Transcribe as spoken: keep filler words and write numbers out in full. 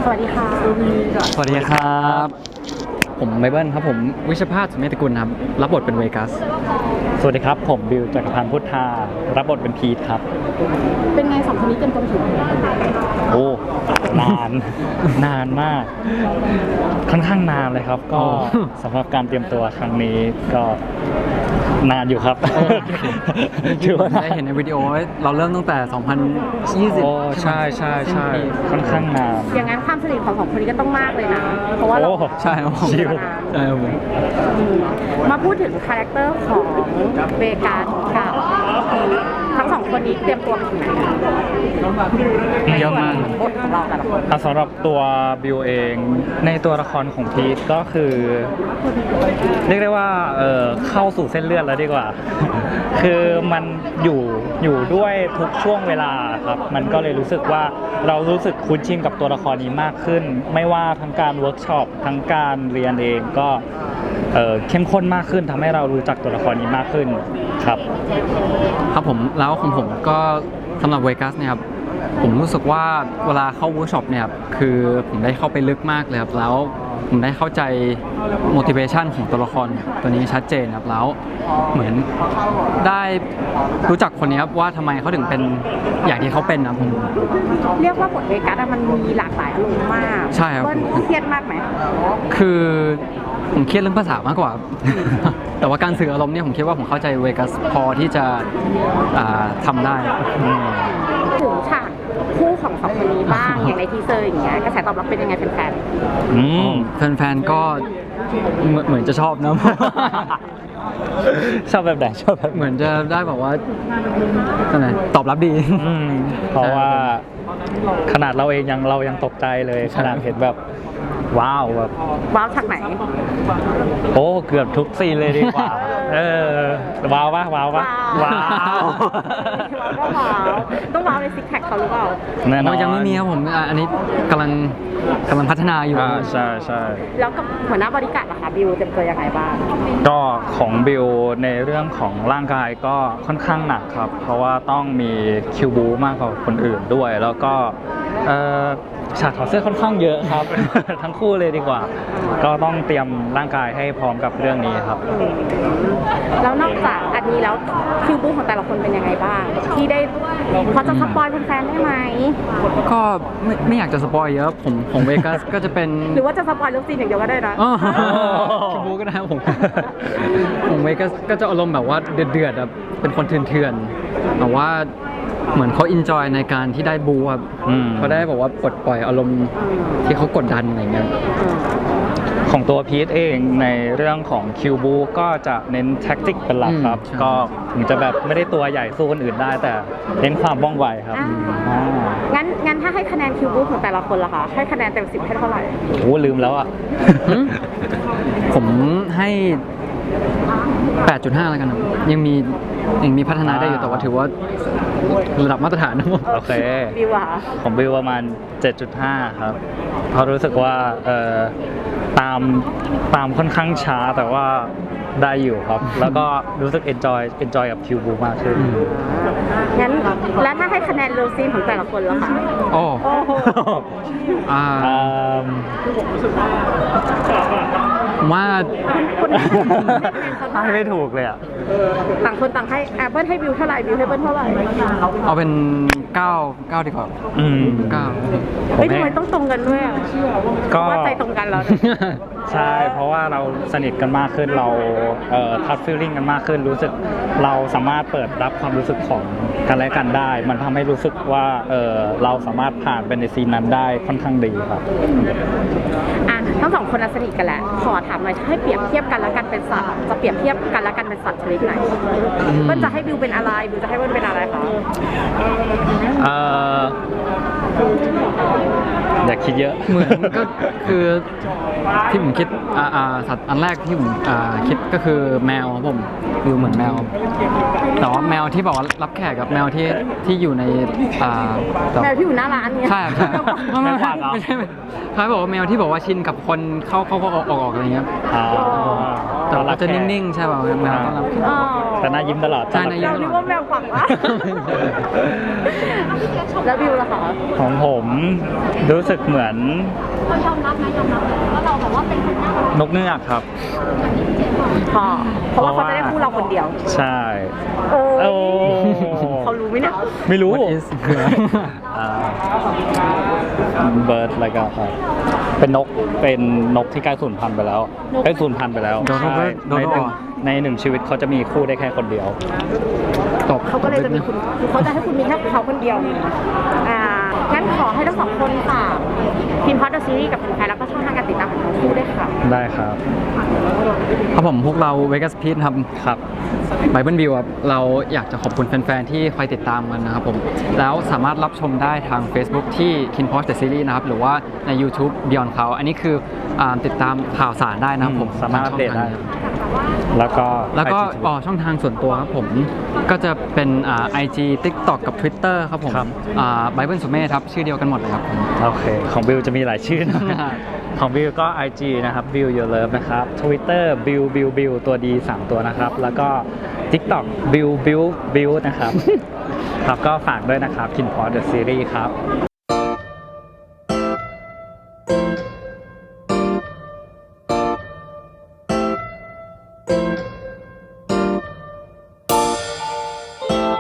สวัสดีค่ะสวัสดีครับผมไบเบิลครับผมวิชภาสสุเมธกุลครับรับบทเป็นเวกัสสวัสดีครับผมบิวจักรพันธ์พุทธารับบทเป็นพีทครับเป็นไงสองคนนี้เตรียมตัวถึงโอ้นาน นานมาก ค่อนข้างนานเลยครับก็สำหรับการเตรียมตัวครั้งนี้ก็นานอยู่ครับถือว่าได้เห็นในวิดีโอเราเริ่มตั้งแต่สองพันยี่สิบโอ้ใช่ใช่ใช่ค่อนข้างนานอย่างนั้นความสนิทของสองคนนี้ก็ต้องมากเลยนะเพราะว่าเราใช่ครับชิวใช่ครับผมมาพูดถึงคาแรคเตอร์ของเบกากับทั้งสองคนนี้เตรียมตัวถึงไหนเยอะมากบทของเราแต่ละคนสำหรับตัวบิวเองในตัวละครของพีทก็คือเรียกได้ว่าเออเข้าสู่เส้นเลือดแล้วดีกว่า คือมันอยู่อยู่ด้วยทุกช่วงเวลาครับมันก็เลยรู้สึกว่าเรารู้สึกคุ้นชินกับตัวละครนี้มากขึ้นไม่ว่าทั้งการเวิร์กช็อปทั้งการเรียนเองก็เอ่อเข้มข้นมากขึ้นทำให้เรารู้จักตัวละครนี้มากขึ้นครับครับผมแล้วของผมก็สำหรับเวกัสเนี่ยครับผมรู้สึกว่าเวลาเข้าเวิร์กช็อปเนี่ยคือผมได้เข้าไปลึกมากเลยครับแล้วผมได้เข้าใจ motivation ของตัวละครตัวนี้ชัดเจนครับแล้วเหมือนได้รู้จักคนนี้ครับว่าทำไมเขาถึงเป็นอย่างที่เขาเป็นนะผมเรียกว่าบทเวกัสมันมีหลากหลายอารมณ์มากใช่ครับเครียดมากไหมคือผมเครียดเรื่องภาษามากกว่า แต่ว่าการสื่ออารมณ์เนี่ยผมคิดว่าผมเข้าใจเวกัสพอที่จะทำได้ถึงฉากคู่ของสองคนนี้บ้างอย่างในทีเซอร์อย่างเงี้ยกระแสตอบรับเป็นยังไงแฟนๆอืมแฟนๆก็เหมือนจะชอบนะชอบแบบไหนชอบแบบเหมือนจะได้แบบว่าตอบรับดีเพราะว่าขนาดเราเองยังเรายังตกใจเลยขนาดเห็นแบบว้าวแบบว้าวฉากไหนโอ้เกือบทุกซีนเลยดีกว่าเออว้าวปะว้าวปะว้าวก็ว้าวต้องว้าวในซิกแพคเขาหรือเปล่าแน่นอนยังไม่มีครับผมอันนี้กำลังกำลังพัฒนาอยู่ใช่ใช่แล้วกับหัวหน้าบริการล่ะคะบิวเตรียมตัวยังไงบ้างก็ของบิวในเรื่องของร่างกายก็ค่อนข้างหนักครับเพราะว่าต้องมีคิวบูมากกว่าคนอื่นด้วยแล้วก็ฉากถอดเสื้อค่อนข้างเยอะครับ ทั้งคู่เลยดีกว่าก็ต้องเตรียมร่างกายให้พร้อมกับเรื่องนี้ครับแล้วนอกจากอันนี้แล้วคิวบูของแต่ละคนเป็นยังไงบ้างที่ได้พอจะสปอยแฟนๆได้ไหมก็ไม่ไม่อยากจะสปอยเยอะผมของเวกัสก็จะเป็นหรือว่าจะสปอยเรื่องซีนอย่างเดียวก็ได้นะคิวบูก็ได้ผมของเวกัสก็จะอารมณ์แบบว่าเดือดๆแบบเป็นคนเถื่อนๆแต่ว่าเหมือนเขาอินจอยในการที่ได้บูครับเขาได้บอกว่าปลดปล่อยอารมณ์ที่เขากดดันอะไรเงี้ยของตัวพีทเองในเรื่องของคิวบูก็จะเน้นแท็กติกเป็นหลักครับก็ถึงจะแบบไม่ได้ตัวใหญ่สู้คนอื่นได้แต่เน้นความว่องไวครับงั้นงั้นถ้าให้คะแนนคิวบูของแต่ละคนล่ะคะให้คะแนนเต็มสิบให้เท่าไหร่โอ้ลืมแล้วอ่ะผมให้แปดจุดห้า แล้วกันครับยังมียังมีพัฒนาได้อยู่แต่ว่าถือว่าระดับมาตรฐานนะผมโอเคบิวอะของบิวประมาณ เจ็ดจุดห้า ครับเพราะรู้สึกว่าเอ่อตามตามค่อนข้างช้าแต่ว่าได้อยู่ครับแล้วก็รู้สึก enjoy enjoy กับคิวบูมากขึ้นงั้นแล้วถ้าให้คะแนนเลิฟซีนของแต่ละคนล่ะคะโอ้โหอ่าว่าให้ไม่ถูกเลยอ่ะต่างคนต่างให้แอปเปิลให้บิวเท่าไหร่บิวให้เปิ้ลเท่าไหร่เอาเป็นเก้า เก้าดีกว่าอืมเก้าไม่ทำไมต้องตรงกันด้วยก็ว่าใจตรงกันแล้วใช่เพราะว่าเราสนิทกันมากขึ้นเราเอ่อทัชฟีลลิ่งกันมากขึ้นรู้สึกเราสามารถเปิดรับความรู้สึกของกันและกันได้มันทำให้รู้สึกว่าเออเราสามารถผ่านเป็นในซีนนั้นได้ค่อนข้างดีครับอ่ะทั้งสองคนสนิทกันแหละขอถามหน่อยให้เปรียบเทียบกันแล้วกันเป็นสัตว์จะเปรียบเทียบกันแล้วกันเป็นสัตว์ชนิดไหนเปิ้ลจะให้บิวเป็นอะไรบิวจะให้เปิ้ลเป็นอะไรคะเอ่ออยากคิดเยอะเหมือนก็คือที่ผมคิดอ่าสัตว์อันแรกที่ผมอ่าคิดก็คือแมวครับผมดูเหมือนแมวแต่ว่าแมวที่บอกว่ารับแขกกับแมวที่ที่อยู่ในอ่าแมวที่อยู่หน้าร้านเนี่ยใช่ใช่ไม่ไม่ไม่ใช่เขาบอกว่าแมวที่บอกว่าชินกับคนเข้าเข้าออกออกอะไรเงี้ยแต่ก็จะนิ่งๆใช่ป่ะแมวต้อนรับอ๋อแต่หน้ายิ้มตลอดใช่หน้ายิ้เราเรียกว่าแมวฝังวะแล้วบิวล่ะคะของผมรู้สึกเหมือนยอมรับนะยอมรับว่าเราแบบว่าเป็นคนน่ารักนกเงือกครับพอเพราะว่าเขาจะได้คู่เราคนเดียวใช่โอ้โอ้เขารู้ไหมเนี่ยไม่รู้ What is คืออะไรเบิร์ดอะไรก็ครับเป็นนกเป็นนกที่ใกล้สูญพันธุ์ไปแล้วใกล้สูญพันธุ์ไปแล้วโดโดใช่เบิร์ดโดในโดหนึ่งในหนึ่งชีวิตเขาจะมีคู่ได้แค่คนเดียวตบเขาก็เลยจะมีคุณเขาจะให้คุณมีแค่เขาคนเดียวอ่างั้นขอให้ทั้งสองคนฝากพิมพ์พอดเดอะซีรีส์กับแฟนแล้วก็ช่องทางการติดตามของทั้งคู่ด้วยค่ะได้ครับครับผมพวกเราเวกัสพีทครับครับไบเบิลบิวครับเราอยากจะขอบคุณแฟนๆ ที่คอยติดตามกันนะครับผม แล้วสามารถรับชมได้ทาง Facebook ที่ Kin p o s The Series นะครับ หรือว่าใน YouTube Beyond เขาอันนี้คืออาติดตามข่าวสารได้นะครับผมอืมสามารถอัปเดตได้ทางช่องทางนี้แล้วก็แล้วก็ไอจีอ๋อช่องทางส่วนตัวครับผม ก็จะเป็นอ่า ไอ จี TikTok กับ Twitter ครับผมครับอ่าไบเบิลสุเมธครับ ชื่อเดียวกันหมดเลยครับผมโอเค ของบิวจะมีหลายชื่อนะ ของบิวก็ ไอ จี นะครับ Bill Your Love นะครับ Twitter Bill Bill Bill ตัวดีสามตัวนะครับ แล้วก็ TikTok Bill Bill Bill นะครับ ครับก็ฝากด้วยนะครับ Kin p o s The Series ครับ